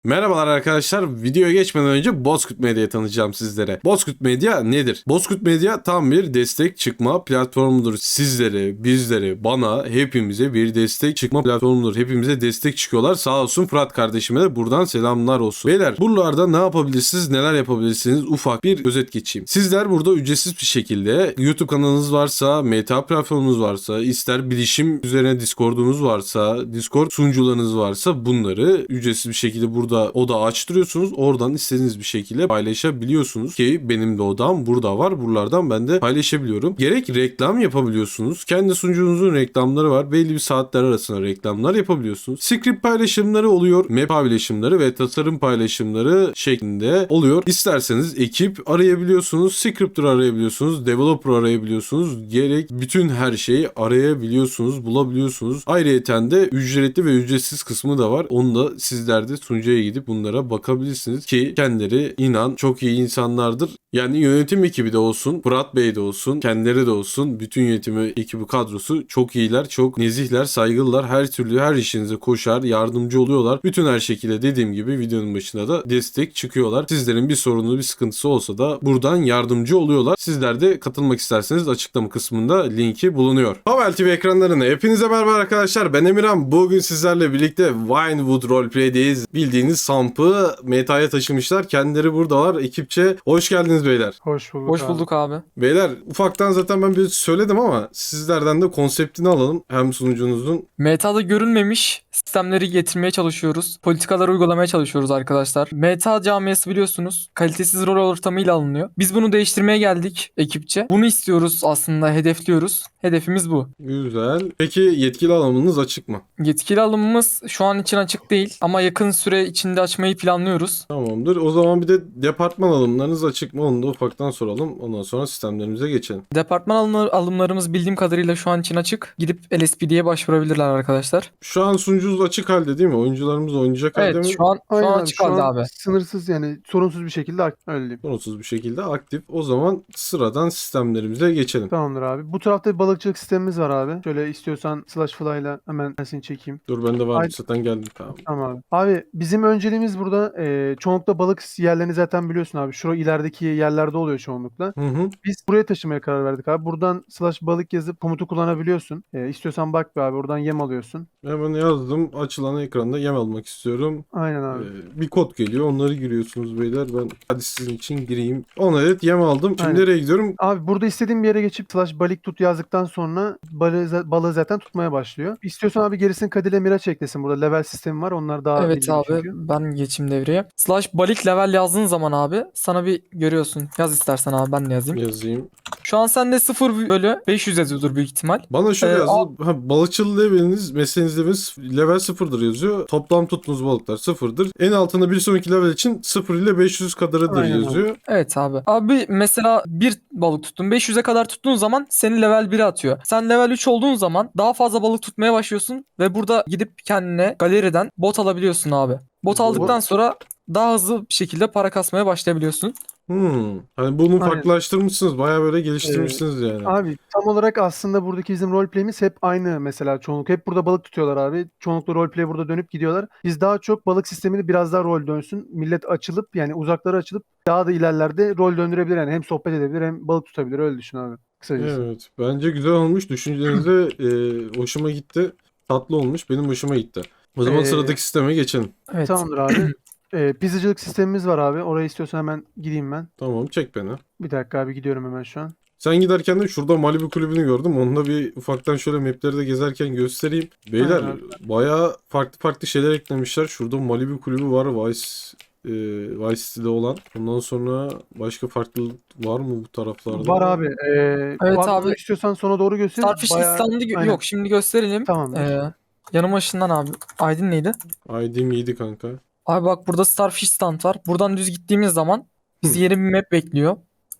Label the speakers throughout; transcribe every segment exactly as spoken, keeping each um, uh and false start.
Speaker 1: Merhabalar arkadaşlar. Videoya geçmeden önce Bozkurt Medya'yı tanıtacağım sizlere. Bozkurt Medya nedir? Bozkurt Medya tam bir destek çıkma platformudur. Sizlere, bizlere, bana, hepimize bir destek çıkma platformudur. Hepimize destek çıkıyorlar. Sağ olsun Fırat kardeşime de buradan selamlar olsun. Beyler buralarda ne yapabilirsiniz, neler yapabilirsiniz ufak bir özet geçeyim. Sizler burada ücretsiz bir şekilde YouTube kanalınız varsa, meta platformunuz varsa, ister bilişim üzerine Discord'unuz varsa, Discord sunucularınız varsa bunları ücretsiz bir şekilde burada oda açtırıyorsunuz. Oradan istediğiniz bir şekilde paylaşabiliyorsunuz ki benim de odam burada var. Buralardan ben de paylaşabiliyorum. Gerek reklam yapabiliyorsunuz. Kendi sunucunuzun reklamları var. Belli bir saatler arasında reklamlar yapabiliyorsunuz. Script paylaşımları oluyor. Map paylaşımları ve tasarım paylaşımları şeklinde oluyor. İsterseniz ekip arayabiliyorsunuz. Scripter arayabiliyorsunuz. Developer arayabiliyorsunuz. Gerek bütün her şeyi arayabiliyorsunuz. Bulabiliyorsunuz. Ayrıyeten de ücretli ve ücretsiz kısmı da var. Onu da sizler de sunucuya gidip bunlara bakabilirsiniz ki kendileri inan çok iyi insanlardır. Yani yönetim ekibi de olsun, Fırat Bey de olsun, kendileri de olsun, bütün yönetimi ekibi kadrosu çok iyiler, çok nezihler, saygılılar. Her türlü her işinize koşar, yardımcı oluyorlar. Bütün her şekilde dediğim gibi videonun başında da destek çıkıyorlar. Sizlerin bir sorunu, bir sıkıntısı olsa da buradan yardımcı oluyorlar. Sizler de katılmak isterseniz açıklama kısmında linki bulunuyor. Havel T V ekranlarına hepinize merhaba arkadaşlar. Ben Emirhan. Bugün sizlerle birlikte Vinewood Roleplay'deyiz. Bildiğiniz Samp'ı metaya taşımışlar. Kendileri buradalar. Ekipçe hoş geldiniz beyler.
Speaker 2: Hoş bulduk
Speaker 3: Hoş
Speaker 2: abi.
Speaker 3: bulduk abi.
Speaker 1: Beyler ufaktan zaten ben bir söyledim ama sizlerden de konseptini alalım. Hem sunucunuzun.
Speaker 3: Meta'da görünmemiş sistemleri getirmeye çalışıyoruz. Politikaları uygulamaya çalışıyoruz arkadaşlar. Meta camiası biliyorsunuz kalitesiz rol ortamıyla alınıyor. Biz bunu değiştirmeye geldik ekipçe. Bunu istiyoruz aslında, hedefliyoruz. Hedefimiz bu.
Speaker 1: Güzel. Peki yetkili alanınız açık mı?
Speaker 3: Yetkili alımımız şu an için açık değil ama yakın süre içinde açmayı planlıyoruz.
Speaker 1: Tamamdır. O zaman bir de departman alımlarınız açık mı? Onu da ufaktan soralım. Ondan sonra sistemlerimize geçelim.
Speaker 3: Departman alımlar- alımlarımız bildiğim kadarıyla şu an için açık. Gidip L S P D'ye başvurabilirler arkadaşlar.
Speaker 1: Şu an sunucunuz açık halde değil mi? Oyuncularımız oynayacak halde
Speaker 3: Evet
Speaker 1: mi?
Speaker 3: şu an, şu
Speaker 2: Aynen
Speaker 3: an
Speaker 2: abi,
Speaker 3: açık
Speaker 2: şu
Speaker 3: halde
Speaker 2: an
Speaker 3: abi.
Speaker 2: sınırsız yani sorunsuz bir şekilde ak- öyle diyeyim.
Speaker 1: Sorunsuz bir şekilde aktif. O zaman sıradan sistemlerimize geçelim.
Speaker 2: Tamamdır abi. Bu tarafta bir balıkçılık sistemimiz var abi. Şöyle istiyorsan slash fly'la hemen ben seni çekeyim.
Speaker 1: Dur bende var.
Speaker 2: Ay-
Speaker 1: Zaten geldim. Tamam.
Speaker 2: Tamam abi. Abi bizim önceliğimiz burada e, çoğunlukla balık yerlerini zaten biliyorsun abi. Şu ilerideki yerlerde oluyor çoğunlukla.
Speaker 1: Hı hı.
Speaker 2: Biz buraya taşımaya karar verdik abi. Buradan slash balık yazıp komutu kullanabiliyorsun. E, istiyorsan bak be abi, oradan yem alıyorsun.
Speaker 1: Hemen yazdım. Açılan ekranda yem almak istiyorum.
Speaker 2: Aynen abi.
Speaker 1: Ee, bir kod geliyor. Onları giriyorsunuz beyler. Ben hadi sizin için gireyim. on adet yem aldım. Şimdi
Speaker 2: Aynen.
Speaker 1: nereye gidiyorum?
Speaker 2: Abi burada istediğin bir yere geçip slash balık tut yazdıktan sonra balığı, balığı zaten tutmaya başlıyor. İstiyorsan abi gerisini Kadir Miraç eklesin. Burada level sistemi var. Onlar daha
Speaker 3: Evet
Speaker 2: bilgili
Speaker 3: abi
Speaker 2: çünkü.
Speaker 3: ben geçeyim devreye. Slash balık level yazdığın zaman abi sana bir görüyorsun. Yaz istersen abi ben de yazayım.
Speaker 1: Yazayım.
Speaker 3: Şu an sende sıfır bölü beş yüz yazıyordur büyük ihtimal.
Speaker 1: Bana şöyle
Speaker 3: Ee,
Speaker 1: yazdı. Ha, balıkçılık leveliniz, mesleğiniz leveliniz level sıfırdır yazıyor. Toplam tuttuğunuz balıklar sıfırdır. En altında bir sonraki level için sıfır ile beş yüz kadarıdır
Speaker 2: Aynen abi.
Speaker 1: yazıyor.
Speaker 3: Evet abi. Abi mesela bir balık tuttun. beş yüze kadar tuttuğun zaman seni level bire atıyor. Sen level üç olduğun zaman daha fazla balık tutmaya başlıyorsun ve burada gidip kendine galeriden bot alabiliyorsun abi. Bot
Speaker 1: Bu-
Speaker 3: aldıktan sonra daha hızlı bir şekilde para kasmaya başlayabiliyorsun.
Speaker 1: Hmm. Hani bunu
Speaker 2: Aynen.
Speaker 1: farklılaştırmışsınız. Bayağı böyle geliştirmişsiniz yani.
Speaker 2: Abi tam olarak aslında buradaki bizim roleplay'imiz hep aynı mesela çoğunluk. Hep burada balık tutuyorlar abi. Çoğunlukla roleplay burada dönüp gidiyorlar. Biz daha çok balık sistemini biraz daha rol dönsün. Millet açılıp yani uzaklara açılıp daha da ilerlerde rol döndürebilir. Yani hem sohbet edebilir hem balık tutabilir. Öyle düşün abi. Kısacası.
Speaker 1: Evet. Bence güzel olmuş. Düşüncelerinize e, hoşuma gitti. Tatlı olmuş. Benim hoşuma gitti. O zaman
Speaker 2: Ee,
Speaker 1: sıradaki sisteme geçelim.
Speaker 3: Evet.
Speaker 2: Tamamdır abi. Ee, pizzacılık sistemimiz var abi. Oraya istiyorsan hemen gideyim ben.
Speaker 1: Tamam çek beni.
Speaker 2: Bir dakika abi, gidiyorum hemen şu an.
Speaker 1: Sen giderken de şurada Malibu kulübünü gördüm. Onunda bir ufaktan şöyle mapleri de gezerken göstereyim. Beyler
Speaker 2: Aynen.
Speaker 1: bayağı farklı farklı şeyler eklemişler. Şurada Malibu kulübü var. Vice e, Vice City'de olan. Ondan sonra başka farklılık var mı bu taraflarda?
Speaker 2: Var abi. Ee,
Speaker 3: Evet
Speaker 2: bak-
Speaker 3: abi.
Speaker 2: istiyorsan sonra doğru göster.
Speaker 3: Starfish
Speaker 2: Bayağı-
Speaker 3: İslam'da gö-
Speaker 2: Aynen.
Speaker 3: yok şimdi gösterelim.
Speaker 2: Tamamdır.
Speaker 3: Ee, yanıma ışından abi. Aydın neydi?
Speaker 1: I D'm yedi kanka.
Speaker 3: Abi bak burada Starfish stand var. Buradan düz gittiğimiz zaman bizi yeni bir map bekliyor.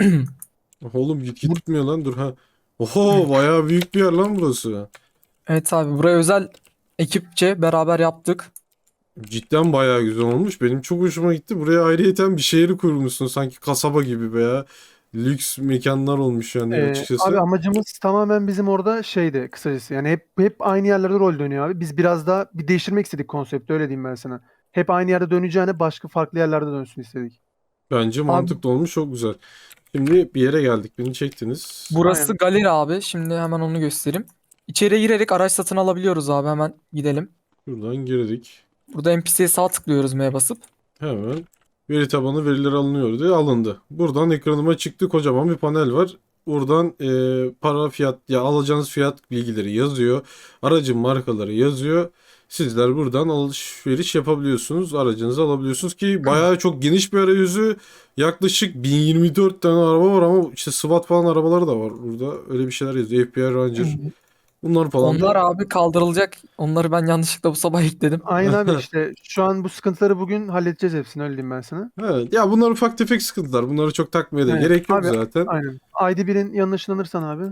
Speaker 1: Oğlum git gitmiyor lan dur ha. Oho bayağı büyük bir yer lan burası.
Speaker 3: Evet abi buraya özel ekipçe beraber yaptık.
Speaker 1: Cidden bayağı güzel olmuş. Benim çok hoşuma gitti. Buraya ayrıyeten bir şehri kurmuşsun. Sanki kasaba gibi veya lüks mekanlar olmuş yani
Speaker 2: Ee,
Speaker 1: açıkçası.
Speaker 2: abi amacımız tamamen bizim orada şeydi kısacası. Yani hep hep aynı yerlerde rol dönüyor abi. Biz biraz daha bir değiştirmek istedik konsepti, öyle diyeyim ben sana. hep aynı yerde döneceğine başka farklı yerlerde dönsün istedik.
Speaker 1: Bence mantıklı olmuş, çok güzel. Şimdi bir yere geldik. Beni çektiniz.
Speaker 3: Burası
Speaker 2: Aynen.
Speaker 3: galeri abi. Şimdi hemen onu göstereyim. İçeriye girerek araç satın alabiliyoruz abi. Hemen gidelim.
Speaker 1: Şuradan girdik.
Speaker 3: Burada N P C'ye sağ tıklıyoruz M'ye basıp.
Speaker 1: Hemen veri tabanı veriler alınıyor diye alındı. Buradan ekranıma çıktı, kocaman bir panel var. Buradan e, para, fiyat, ya alacağınız fiyat bilgileri yazıyor. Aracın markaları yazıyor. Sizler buradan alışveriş yapabiliyorsunuz. Aracınızı alabiliyorsunuz ki bayağı çok geniş bir arayüzü. Yaklaşık bin yirmi dört tane araba var ama işte SWAT falan arabaları da var burada. Öyle bir şeyler yazıyor. F B I Ranger. Bunlar falan
Speaker 3: Onlar
Speaker 1: da.
Speaker 3: abi kaldırılacak. Onları ben yanlışlıkla bu sabah ekledim.
Speaker 2: Aynen abi, işte şu an bu sıkıntıları bugün halledeceğiz hepsini, öyle diyeyim ben sana.
Speaker 1: Evet. Ya bunlar ufak tefek sıkıntılar. Bunları çok takmaya da
Speaker 2: Evet.
Speaker 1: gerek yok
Speaker 2: Abi,
Speaker 1: zaten.
Speaker 2: aynen. I D birin yanına ışınlanırsan abi.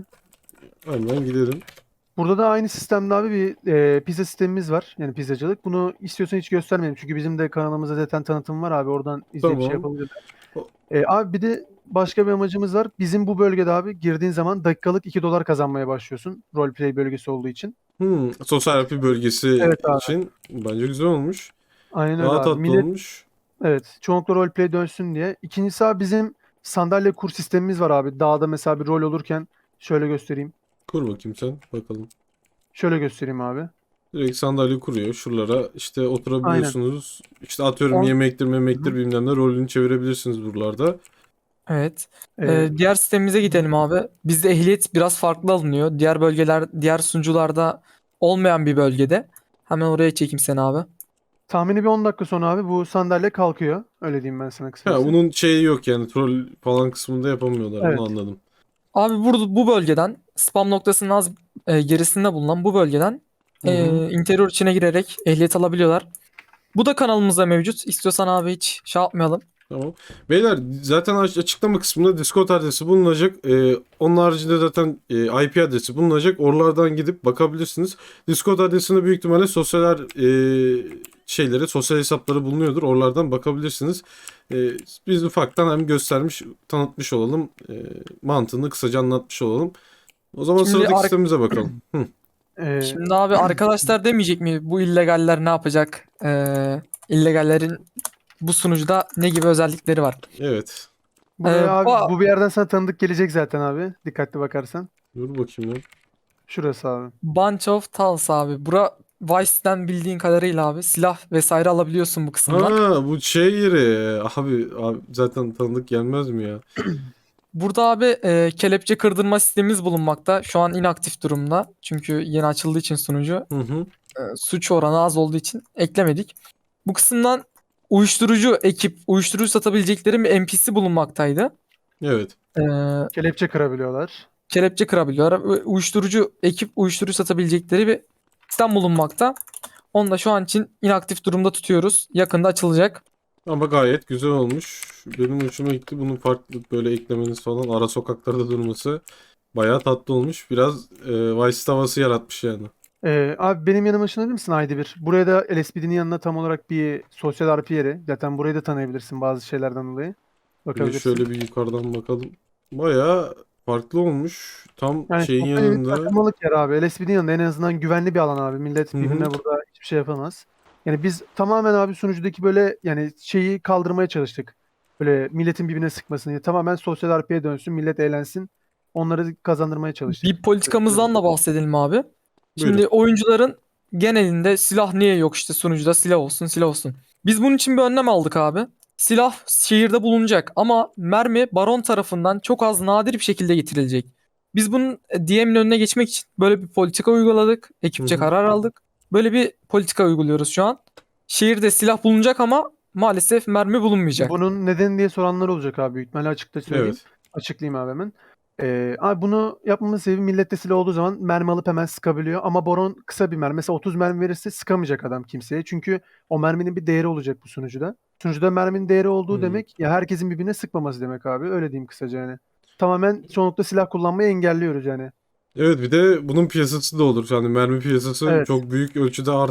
Speaker 1: Hemen gidelim.
Speaker 2: Burada da aynı sistemde abi bir e, pizza sistemimiz var. Yani pizzacılık. Bunu istiyorsan hiç göstermeyelim. Çünkü bizim de kanalımızda zaten tanıtım var abi. Oradan izleyip şey
Speaker 1: Tamam.
Speaker 2: yapabilirler.
Speaker 1: O-
Speaker 2: E, abi bir de başka bir amacımız var. Bizim bu bölgede abi girdiğin zaman dakikalık iki dolar kazanmaya başlıyorsun. Roleplay bölgesi olduğu için.
Speaker 1: Hmm, sosyal yapı bölgesi
Speaker 2: Evet abi.
Speaker 1: için bence güzel olmuş.
Speaker 2: Aynen öyle
Speaker 1: Daha
Speaker 2: abi.
Speaker 1: tatlı
Speaker 2: Millet,
Speaker 1: olmuş.
Speaker 2: evet, çoğunlukla roleplay dönsün diye. İkincisi abi bizim sandalye kur sistemimiz var abi. Dağda mesela bir rol olurken şöyle göstereyim.
Speaker 1: Kur bakayım sen. Bakalım.
Speaker 2: Şöyle göstereyim abi.
Speaker 1: Direkt sandalye kuruyor. Şuralara işte
Speaker 2: Aynen.
Speaker 1: oturabiliyorsunuz. İşte atıyorum
Speaker 2: On,
Speaker 1: yemektir memektir
Speaker 2: Hı.
Speaker 1: bilmem ne rolünü çevirebilirsiniz buralarda.
Speaker 3: Evet.
Speaker 2: e,
Speaker 3: Ee, diğer sistemimize gidelim abi. Bizde ehliyet biraz farklı alınıyor. Diğer bölgeler, diğer sunucularda olmayan bir bölgede. Hemen oraya çekeyim seni abi.
Speaker 2: tahmini bir on dakika sonra abi bu sandalye kalkıyor. Öyle diyeyim ben sana
Speaker 1: Ha,
Speaker 2: kısacası.
Speaker 1: bunun şeyi yok yani troll falan kısmında yapamıyorlar.
Speaker 2: Evet.
Speaker 1: Onu anladım.
Speaker 3: Abi burada bu bölgeden spam noktasının az e, gerisinde bulunan bu bölgeden
Speaker 1: Hı
Speaker 3: e,
Speaker 1: hı.
Speaker 3: interior içine girerek ehliyet alabiliyorlar. Bu da kanalımızda mevcut. İstiyorsan abi hiç şey yapmayalım.
Speaker 1: Tamam. Beyler zaten aç- açıklama kısmında Discord adresi bulunacak. Ee, onun haricinde zaten e, I P adresi bulunacak. Oralardan gidip bakabilirsiniz. Discord adresinde büyük ihtimalle sosyal e, şeyleri, sosyal hesapları bulunuyordur. Oralardan bakabilirsiniz. E, biz ufaktan hem göstermiş, tanıtmış olalım. E, mantığını kısaca anlatmış olalım. O zaman
Speaker 3: Şimdi
Speaker 1: sıradaki
Speaker 3: ar-
Speaker 1: sistemimize bakalım. Hı.
Speaker 2: E,
Speaker 3: Şimdi abi arkadaşlar demeyecek mi bu illegaller ne yapacak? Ee, illegallerin bu sunucuda ne gibi özellikleri var?
Speaker 1: Evet.
Speaker 2: buraya
Speaker 3: Ee,
Speaker 2: abi
Speaker 3: bu
Speaker 2: bu bir yerden sana tanıdık gelecek zaten abi. Dikkatli bakarsan.
Speaker 1: Dur bakayım ya.
Speaker 2: Şurası abi.
Speaker 3: Bunch of Tals abi. Bura Vice'den bildiğin kadarıyla abi silah vesaire alabiliyorsun bu kısımdan.
Speaker 1: Ha, bu şey yeri. Abi, abi zaten tanıdık gelmez mi ya?
Speaker 3: Burada abi e, kelepçe kırdırma sistemimiz bulunmakta. Şu an inaktif durumda. Çünkü yeni açıldığı için sunucu.
Speaker 1: Hı hı.
Speaker 3: e, suç oranı az olduğu için eklemedik. Bu kısımdan uyuşturucu ekip, uyuşturucu satabilecekleri bir N P C bulunmaktaydı.
Speaker 1: Evet.
Speaker 3: E,
Speaker 2: Kelepçe kırabiliyorlar.
Speaker 3: kelepçe kırabiliyorlar. Ve uyuşturucu ekip, uyuşturucu satabilecekleri bir sistem bulunmakta. Onu da şu an için inaktif durumda tutuyoruz. Yakında açılacak.
Speaker 1: Ama gayet güzel olmuş. Benim hoşuma gitti. Bunun farklı böyle eklemeniz falan ara sokaklarda durması bayağı tatlı olmuş. Biraz e, Vice havası yaratmış yani.
Speaker 2: Ee, abi benim yanıma ışınlanır mısın I D bir? Buraya da L S P D'nin yanına tam olarak bir sosyal R P yeri. Zaten burayı da tanıyabilirsin bazı şeylerden dolayı.
Speaker 1: Bir de
Speaker 2: Bakabilirsin.
Speaker 1: şöyle bir yukarıdan bakalım. Bayağı farklı olmuş. Tam
Speaker 2: Yani
Speaker 1: şeyin
Speaker 2: sosyal bir
Speaker 1: yanında.
Speaker 2: takılmalık yer abi. L S P D'nin yanında en azından güvenli bir alan abi. Millet
Speaker 1: Hı hı.
Speaker 2: birbirine burada hiçbir şey yapamaz. Yani biz tamamen abi sunucudaki böyle yani şeyi kaldırmaya çalıştık. Böyle milletin birbirine sıkmasını. Tamamen sosyal R P'ye dönsün. Millet eğlensin. Onları kazandırmaya çalıştık.
Speaker 3: Bir politikamızdan da bahsedelim abi. Şimdi
Speaker 1: Buyurun.
Speaker 3: oyuncuların genelinde silah niye yok işte sunucuda silah olsun silah olsun. Biz bunun için bir önlem aldık abi. Silah şehirde bulunacak ama mermi baron tarafından çok az nadir bir şekilde getirilecek. Biz bunun e, D M'in önüne geçmek için böyle bir politika uyguladık. Ekipçe
Speaker 1: Hı hı.
Speaker 3: karar aldık. Böyle bir politika uyguluyoruz şu an. Şehirde silah bulunacak ama maalesef mermi bulunmayacak.
Speaker 2: Bunun nedeni diye soranlar olacak abi. Büyük ihtimalle açıkta söyleyeyim.
Speaker 1: Evet.
Speaker 2: Açıklayayım abi hemen. Ee, abi bunu yapmamın sebebi millette silah olduğu zaman mermi alıp hemen sıkabiliyor. Ama Baron kısa bir mermi. Mesela otuz mermi verirse sıkamayacak adam kimseye. Çünkü o merminin bir değeri olacak bu sunucuda. Sunucuda merminin değeri olduğu
Speaker 1: Hmm.
Speaker 2: demek ya herkesin birbirine sıkmaması demek abi. Öyle diyeyim kısaca yani. Tamamen çoğunlukla silah kullanmayı engelliyoruz yani.
Speaker 1: Evet, bir de bunun piyasası da olur. Yani mermi piyasası
Speaker 2: Evet.
Speaker 1: çok büyük ölçüde artar.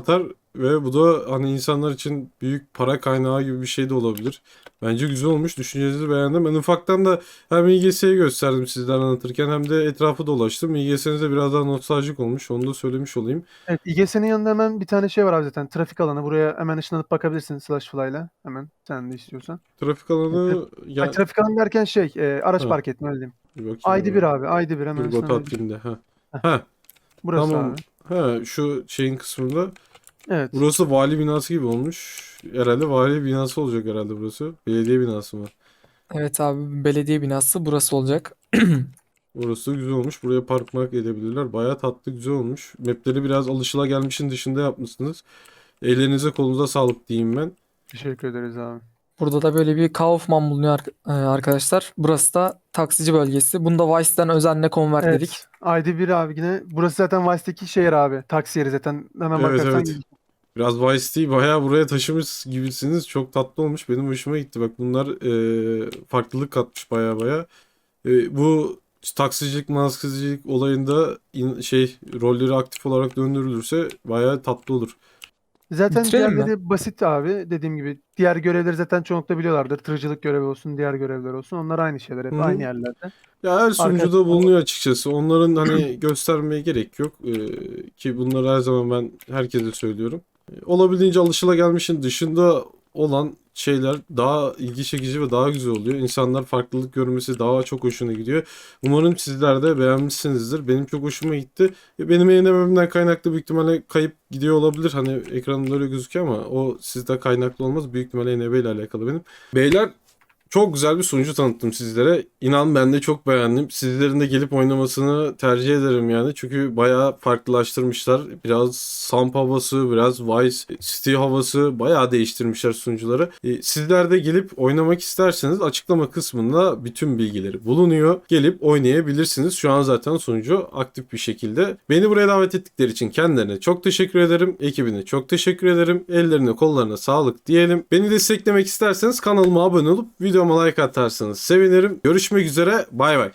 Speaker 1: ve bu da hani insanlar için büyük para kaynağı gibi bir şey de olabilir. Bence güzel olmuş. Düşüncenizi beğendim. Ben ufaktan da hem İ G S'yi gösterdim sizden anlatırken hem de etrafı dolaştım. İ G S'niz de biraz daha nostaljik olmuş. Onu da söylemiş olayım.
Speaker 2: Evet, İ G S'nin yanında hemen bir tane şey var abi zaten. Trafik alanı. Buraya hemen ışınlanıp bakabilirsin Slash Fly'la. Hemen sen de istiyorsan.
Speaker 1: Trafik
Speaker 2: Evet,
Speaker 1: alanı
Speaker 2: Ay,
Speaker 1: ya
Speaker 2: trafik alanı derken şey e, araç
Speaker 1: ha,
Speaker 2: park etme öyle diyeyim.
Speaker 1: bir bakayım
Speaker 2: I D bir
Speaker 1: hemen.
Speaker 2: abi. I D bir hemen
Speaker 1: Dur bot
Speaker 2: ışınlanabilir.
Speaker 1: atayım da. Ha.
Speaker 2: Heh,
Speaker 1: Ha,
Speaker 2: burası
Speaker 1: tamam.
Speaker 2: abi.
Speaker 1: Ha, şu şeyin kısmında.
Speaker 2: Evet.
Speaker 1: Burası vali binası gibi olmuş. Herhalde vali binası olacak herhalde burası. Belediye binası mı?
Speaker 3: Evet abi, belediye binası burası olacak.
Speaker 1: Orası da güzel olmuş. Buraya park mark edebilirler. Bayağı tatlı güzel olmuş. Mapleri biraz alışılagelmişin dışında yapmışsınız. Ellerinize kolunuza sağlık diyeyim ben.
Speaker 2: Teşekkür ederiz abi.
Speaker 3: Burada da böyle bir Kaufman bulunuyor ar- e, arkadaşlar. Burası da taksici bölgesi. Bunu da Vice'den özenle konvertledik.
Speaker 2: Evet. I D bir abi yine. Burası zaten Vice'deki şehir abi. Taksi yeri zaten. Hemen
Speaker 1: Evet,
Speaker 2: bakarsan
Speaker 1: evet. Biraz Vice City'yi bayağı buraya taşımış gibisiniz. Çok tatlı olmuş. Benim hoşuma gitti. Bak bunlar e, farklılık katmış bayağı bayağı. E, bu taksicilik, maskecilik olayında in- şey rolleri aktif olarak döndürülürse bayağı tatlı olur.
Speaker 2: Zaten
Speaker 3: Bitirelim mi?
Speaker 2: diğerleri basit abi. Dediğim gibi diğer görevleri zaten çoğunlukla biliyorlardır. Tırcılık görevi olsun, diğer görevler olsun. Onlar aynı şeyler.
Speaker 1: Hı
Speaker 2: Hep
Speaker 1: hı.
Speaker 2: aynı yerlerde.
Speaker 1: Ya her
Speaker 2: Arkadaşlar
Speaker 1: sunucuda bulunuyor açıkçası. Onların hani göstermeye gerek yok. Ee, ki bunları her zaman ben herkese söylüyorum. Ee, Olabildiğince alışılagelmişin dışında olan şeyler daha ilgi çekici ve daha güzel oluyor. İnsanlar farklılık görmesi daha çok hoşuna gidiyor. Umarım sizler de beğenmişsinizdir. Benim çok hoşuma gitti. E, Benim eğlenememden kaynaklı büyük ihtimalle kayıp gidiyor olabilir. Hani ekranımda öyle gözüküyor ama o sizde kaynaklı olmaz. Büyük ihtimalle E N B ile alakalı benim. Beyler, çok güzel bir sunucu tanıttım sizlere. İnan ben de çok beğendim. Sizlerin de gelip oynamasını tercih ederim yani. Çünkü bayağı farklılaştırmışlar. Biraz Samp havası, biraz Vice City havası bayağı değiştirmişler sunucuları. E, sizler de gelip oynamak isterseniz açıklama kısmında bütün bilgileri bulunuyor. Gelip oynayabilirsiniz. Şu an zaten sunucu aktif bir şekilde. Beni buraya davet ettikleri için kendilerine çok teşekkür ederim. Ekibine çok teşekkür ederim. Ellerine kollarına sağlık diyelim. Beni desteklemek isterseniz kanalıma abone olup videoma like atarsanız sevinirim. Görüşmek üzere. Bay bay.